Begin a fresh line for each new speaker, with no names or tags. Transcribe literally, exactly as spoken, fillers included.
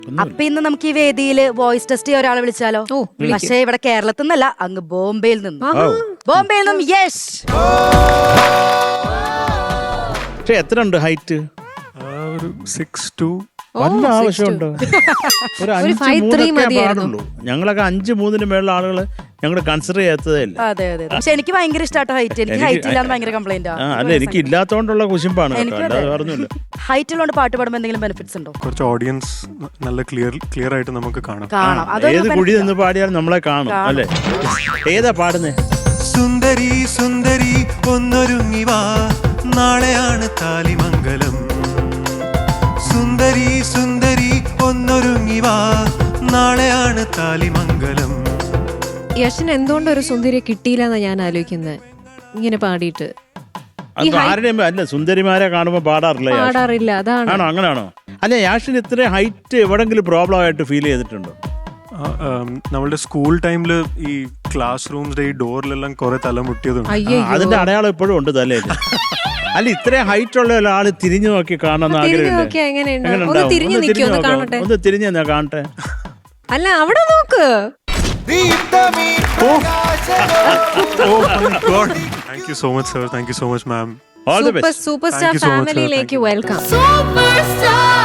അപ്പൊ ഇന്ന് നമുക്ക് ഈ വേദിയില് വോയിസ് ടെസ്റ്റ് ചെയ്യാൻ ഒരാളെ വിളിച്ചാലോ? പക്ഷേ ഇവിടെ കേരളത്തിൽ നിന്നല്ല, അങ്ങ് ബോംബെയിൽ നിന്ന്. ബോംബെയിൽ നിന്നും യെസ്.
പക്ഷെ എത്ര ഉണ്ട് ഹൈറ്റ്?
ഒരു സിക്സ് ടു.
വല്ല ആവശ്യമുണ്ടോ? ഒരു അഞ്ച് മൂന്നൊക്കെ പാടുള്ളൂ. ഞങ്ങളൊക്കെ അഞ്ച് മൂന്നിന് മേളിലുള്ള ആളുകള് ഞങ്ങൾ കൺസിഡർ ചെയ്യാത്തതേ ഇല്ല.
അതെ അതെ. പക്ഷെ എനിക്ക് ഭയങ്കര ഇഷ്ടമാട്ടോ ഹൈറ്റ്. എനിക്ക് ഹൈറ്റ് ഇല്ലാന്ന് ഭയങ്കര കംപ്ലൈന്റ്
ആ. അല്ല, എനിക്ക് ഇല്ലാത്തോണ്ടുള്ള കുശിമ്പാണ്.
ഹൈറ്റ് ഉള്ളതുകൊണ്ട് പാട്ട് പാടുമ്പോൾ എന്തെങ്കിലും ബെനിഫിറ്റ്സ് ഉണ്ടോ?
കുറച്ച് ഓഡിയൻസ് നല്ല ക്ലിയർ ക്ലിയർ ആയിട്ട് നമുക്ക് കാണാം.
ഏത് കുഴി നിന്ന് പാടിയാലും നമ്മളെ കാണും അല്ലേ? ഏതാ പാടുന്നേ?
സുന്ദരി സുന്ദരി ഒന്നൊരുങ്ങി വാ, നാളെയാണ് താലിമംഗലം. സുന്ദരി സുന്ദരി ഒന്നൊരുങ്ങി വാ, നാളെയാണ് താലിമംഗലം.
യശന് എന്തുകൊണ്ട് ഒരു സുന്ദരിയെ കിട്ടിയില്ലെന്നാ ഞാൻ ആലോചിക്കുന്നത്. ഇങ്ങനെ പാടിയിട്ട്
ആരുടെയും അല്ല, സുന്ദരിമാരെ കാണുമ്പോ പാടാറില്ല.
പാടാറില്ല. അതാണ്.
ആണോ? അങ്ങനെയാണോ? അല്ല, യാഷിന് ഇത്ര ഹൈറ്റ് എവിടെങ്കിലും പ്രോബ്ലം ആയിട്ട് ഫീൽ ചെയ്തിട്ടുണ്ടോ?
നമ്മളുടെ സ്കൂൾ ടൈമില് ഈ ക്ലാസ് റൂംസിന്റെ ഈ ഡോറിലെല്ലാം കുറെ തലമുട്ടിയതുണ്ട്.
അതിന്റെ അടയാളം ഇപ്പോഴും ഉണ്ട് തലയിൽ. അല്ല, ഇത്രയും ഹൈറ്റ് ഉള്ള ഒരാള് തിരിഞ്ഞു നോക്കി കാണാൻ ആഗ്രഹമില്ല? ഒന്ന് തിരിഞ്ഞു ഞാൻ കാണട്ടെ.
അല്ല, അവിടെ നോക്ക്.
Thank you so much, sir. Thank you so much, ma'am.
All the best.
Super star ഫാമിലിയിലേക്ക് വെൽക്കം.
Superstar.